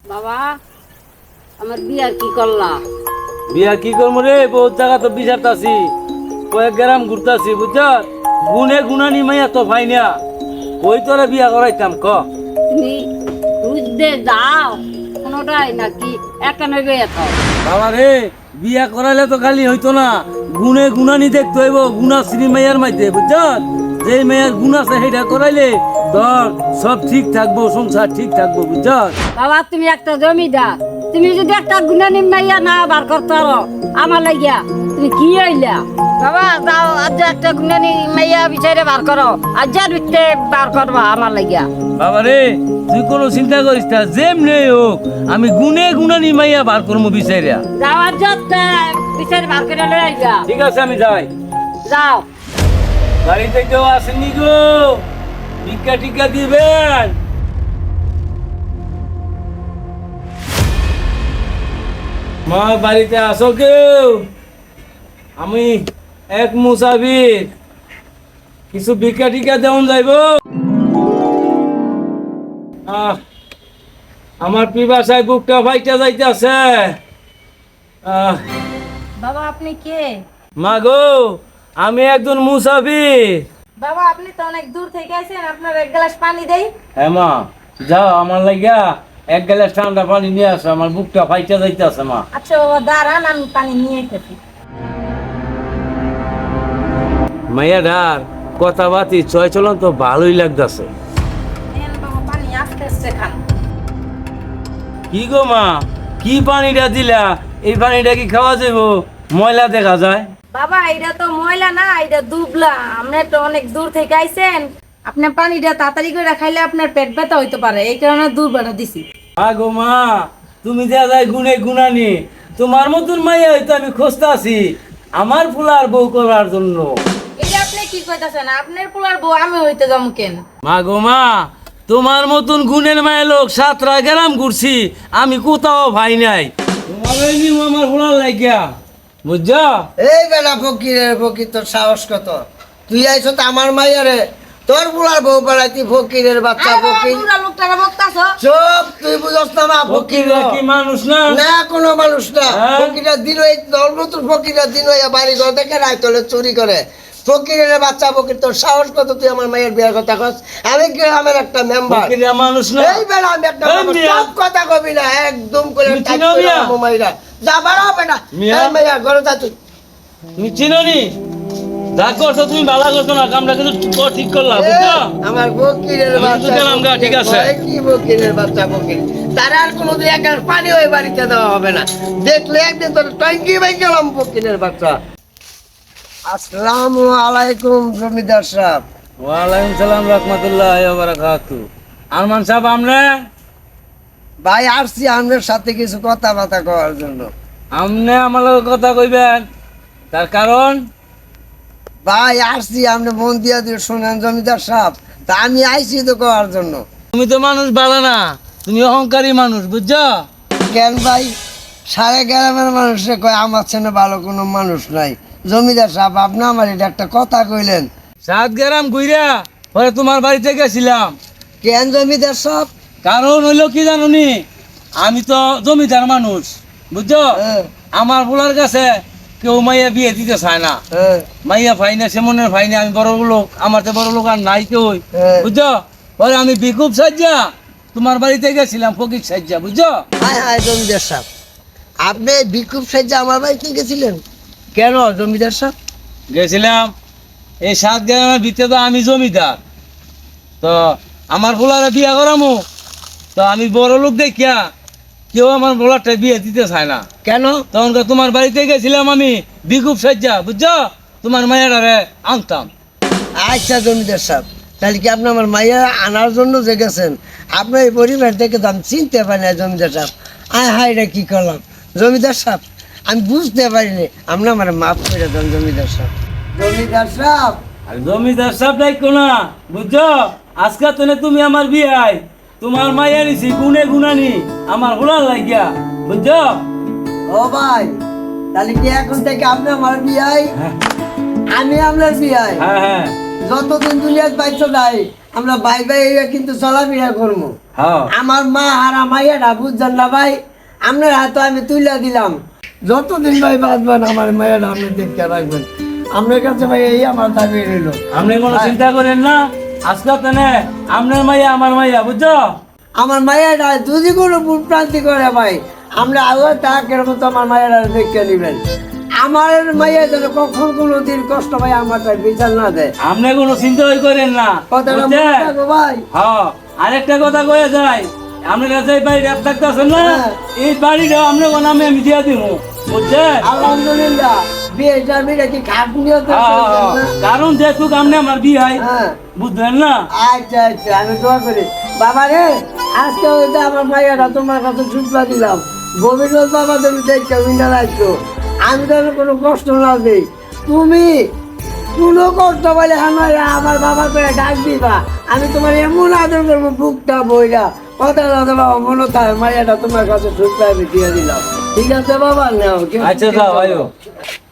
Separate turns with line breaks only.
বাবা আমার বিয়ার কি করলা?
বিয়া কি করবো রে? বহুত জায়গা তো বিচারতাছি, কয়েক গ্রাম ঘুরতাছি, বুঝছ? গুনে গুনানি মাইয়া তো ভাই না, কই তোরা বিয়া করাইতাম ক?
তুমি বুঝতে যাও কোনোটাই নাকি একা নেবে এত?
বাবা রে, বিয়া করাইলে তো খালি হইতো না, গুনে গুনানি দেখতে হইব, গুনা শ্রী মাইয়ার মাইতে, বুঝছ? যে মেয়ের গুণ আছে সেটা করাইলে ধর সব ঠিক থাকবো, সংসার ঠিক থাকবো, বুঝছ?
বাবা তুমি একটা জমিদার, তুমি যদি একটা গুণা নিমাইয়া না বার করতে পারো আমার লাগিয়া, তুমি কি হইলা? বাবা যাও আজ একটা গুণা নিমাইয়া বিচারে বার করো, আজ আর বিতে বার করবা আমার লাগিয়া।
বাবা রে, তুই কোনো চিন্তা করিস না, যেমনি হোক আমি গুনে গুনানি মাইয়া বার করবো বিচাইরা।
যাও আজ বিচারে বার করে লই আইবা।
ঠিক আছে, আমি যাই।
যাও।
বাড়িতে কেউ আসেনি গো? টিকা টিকা দিবেন? মা বাড়িতে আসো কেউ? আমি এক মুসাফির, কিছু ভিক্ষা টিকা দেওয়া যাইব? আমার পিপাসায় বুকটা ফাইটা যাইতেছে।
বাবা আপনি কে?
মা গো, আমি একজন মুসাফির।
বাবা আপনি তো অনেক দূর থেকে আইছেন, আপনার এক গ্লাস পানি দেই।
হ্যাঁ মা, যাও আমার লাগিয়া এক গ্লাস ঠান্ডা পানি নিয়ে আসো, আমার বুকটা ফাইটা যাইতেছে মা।
আচ্ছা বাবা দাঁড়ান, আমি পানি নিয়ে এসেছি।
মাইয়াডার কথাবার্তি চয় চলন তো ভালোই লাগতেছে।
নেন বাবা পানি, আস্তে আস্তে খান।
কি গো মা, কি পানিটা দিলা? এই পানিটা কি খাওয়া যাবো? ময়লা দেখা যায়।
বাবা এটা তো ময়লা না, এটা দুবলা। আপনি তো অনেক দূর থেকে আইছেন, আপনার পানিটা তাড়াতাড়ি করে খাইলে আপনার পেট ব্যথা হইতে পারে, এই কারণে দুর্বাটা দিছি।
মা গো মা, তুমি যা যায় গুনে গুনানি, তোমার মতন মাইয়া হয়তো আমি খুঁজতে আছি আমার ফুলার বউ করার জন্য।
এটা আপনি কি কইতাছেন? আপনার পোলার বউ আমি হইতে যাবো কেন?
মা গো মা, তোমার মতন গুণের মায়ের লোক 7টা গ্রাম ঘুরছি, আমি কোথাও ভাই নাই। তোমার আমার ফুলার লাগিয়া, বুঝছ?
এই বেলা ফকিরের ফকির, তোর সাহস কত? তুই আইছো তো আমার মাইয়ারে, তোর বুড়ার বউ বেড়াইতি ফকিরের বাচ্চা ফকির।
লোকটারা বকতাছো?
চুপ, তুই বুঝস না মা ফকির
ফকিররা কি মানুষ না?
না, কোনো মানুষ না।
হ্যাঁ?
ফকিরা দিন ওই নতুন ফকিরা দিন ওই বাড়ি ঘর থেকে রায়তলে চুরি করে। ফকিরের বাচ্চা ফকির, তোর সাহস কত? তুই আমার মায়ের বিয়ের কথা কস? আমি গ্রামের একটা মেম্বার।
ফকিররা মানুষ না?
এই বেলা আমি একটা
এই
মানুষ,
মিয়া।
সব কথা কবি না, একদম করে
তুমি
টাইট
চিনো
করে
মিয়া?
আমার মাইরা যা বাড়া বেটা।
মিয়া?
এই মাইয়া ঘরে যা তুই।
তুমি চিনো নি? যা করছো তুমি ভালো করছো না, কামটা কিন্তু ঠিক করলাম, বুঝছো?
আমার ফকিরের
আমি তো
বাচ্চা
গেলাম গা, ঠিক আছে।
বলে কি ফকিরের বাচ্চা ফকির? তার আর কোনোদিন এক গ্লাস পানি ওই বাড়িতে দেওয়া হবে না। দেখলে একদিন তোর ট্যাঙ্কি ভাই গেলাম ফকিরের বাচ্চা। আসসালামু আলাইকুম জমিদার সাহেব।
ওয়ালাইকুম সালাম রাহমাতুল্লাহ ওয়া বারাকাতু। আরমান সাহেব, আমনে?
ভাই আসছি আপনার সাথে কিছু কথাবার্তা করার জন্য।
আমনে আমার লগে কথা কইবেন, তার কারণ?
ভাই আসছি, আপনি মন দিয়া দিয়ে শোনেন জমিদার সাহেব, তা আমি আইছি তো করার জন্য।
তুমি তো মানুষ ভালো না, তুমি অহংকারী মানুষ, বুঝছো?
কেন ভাই? সারা গ্রামের মানুষে কয় আমার ছেলে ভালো কোনো মানুষ নাই। জমিদার সাহেব, আপনি আমার এটা একটা কথা কইলেন।
7 গ্রাম ঘুইরা পরে তোমার বাড়িতে গেছিলাম।
কেন জমিদার সাহেব?
কারণ হইলো কি জানুনি, আমি তো জমিদার মানুষ, বুঝছো?
হ্যাঁ,
আমার বলার কাছে কেউ মাইয়া বিয়ে দিতে চায় না,
হ্যাঁ,
মাইয়া ফাইনা সেমনের ফাইনা, আমি বড় লোক, আমার তো বড় লোক আর নাই কেউ,
হ্যাঁ।
বুঝছো? পরে আমি বিকুব সাজ্জা তোমার বাড়িতে গেছিলাম, ফকির সাজ্জা, বুঝছো?
হায় হায় জমিদার সাহেব, আপনি বিক্ষোভ সাহায্যে আমার বাড়িতে গেছিলেন কেন জমিদার সাহেব?
গেছিলাম এই 7 গ্রামের ভিতরে তো আমি জমিদার, তো আমার বলারে বিয়া করামো, তো আমি বড় লোক দেখিয়া কেউ আমার বলারটা বিয়ে দিতে চায় না।
কেন?
তখন তোমার বাড়িতে গেছিলাম আমি বিকুব সাজ্জা, বুঝছো? তোমার মায়েরারে আনতাম।
আচ্ছা জমিদার সাহেব, তাহলে কি আপনি আমার মাইয়া আনার জন্য যে গেছেন, আপনার এই পরিবার থেকে তো আমি চিনতে পারি না জমিদার সাহেব। আয় হায় রে, কি করলাম জমিদার সাহেব, আমি বুঝতে পারিনি, আপনি আমার মাফ করে দেন জমিদার সাহেব। জমিদার সাহেব,
আর জমিদার সাহেব ডাইকো না, বুঝছো? আজকে তো তুমি আমার বিয়াই, তোমার মাইয়া নিছি গুনে গুনানি আমার হোলার লাগিয়া, বুঝছো?
ও ভাই, তাহলে কি এখন থেকে আপনি আমার বিয়াই,
হ্যাঁ
আমি আপনার বিয়াই?
হ্যাঁ হ্যাঁ।
যতদিন দুনিয়ায় পাইছো যাই, আমরা ভাই ভাই হইয়া কিন্তু চলাফেরা করবো।
হ্যাঁ
আমার মা আর মাইয়াটা বুঝছেন না ভাই, আপনার হাতে আমি তুলে দিলাম, যতদিন ভাই বাঁচবেন আমার মাইয়াটা আপনি দেখতে রাখবেন। আপনার কাছে ভাই এই আমার দাবি রইল।
আপনি কোনো চিন্তা করেন না, আজকে তেনে আপনার মাইয়া আমার মাইয়া বুঝছো।
আমার মাইয়াটা যদি কোনো ভুল প্রান্তি করে ভাই, আমরা আল্লাহ তাকের মতো আমার মায়েরা দেখে নেবেন। আমার মাইয়া যেন কখন কোনো দিন কষ্ট ভাই আমার বিচার না দেয়।
আপনি কোনো চিন্তা করেন না
কথাটা মনে
বুঝছেন?
রাখো ভাই।
হ্যাঁ আরেকটা কথা কয়ে যায়, আপনার কাছে এই বাড়ি রেপ থাকতেছেন না,
হ্যাঁ।
এই বাড়িটা আপনার নামে আমি দিয়ে দিব বুঝছেন।
আলহামদুলিল্লাহ বিয়েটা বিয়ে কি খাট নিয়ে তো
কারণ যেহেতু আপনি আমার বিয়ে হয়
হ্যাঁ।
বুঝলেন না।
আচ্ছা আচ্ছা আমি দোয়া করি বাবা রে, আজকে হয়তো আমার মাইয়াটা তোমার কাছে ছুটলা দিলাম, গভীর রাত বাবা তুমি দেখতে উইন্ডা রাখছো, আমি তো কোনো কষ্ট না দিই, তুমি কোনো কষ্ট বলে আমার বাবা করে ডাক দিবা, আমি তোমার এমন আদর করবো বুকটা বইরা, কথা দাদা বাবা মনে থাকে মাইয়াটা তোমার কাছে ছুটলা আমি দিয়ে দিলাম। ঠিক আছে বাবা নাও।
আচ্ছা যাও ভাইও।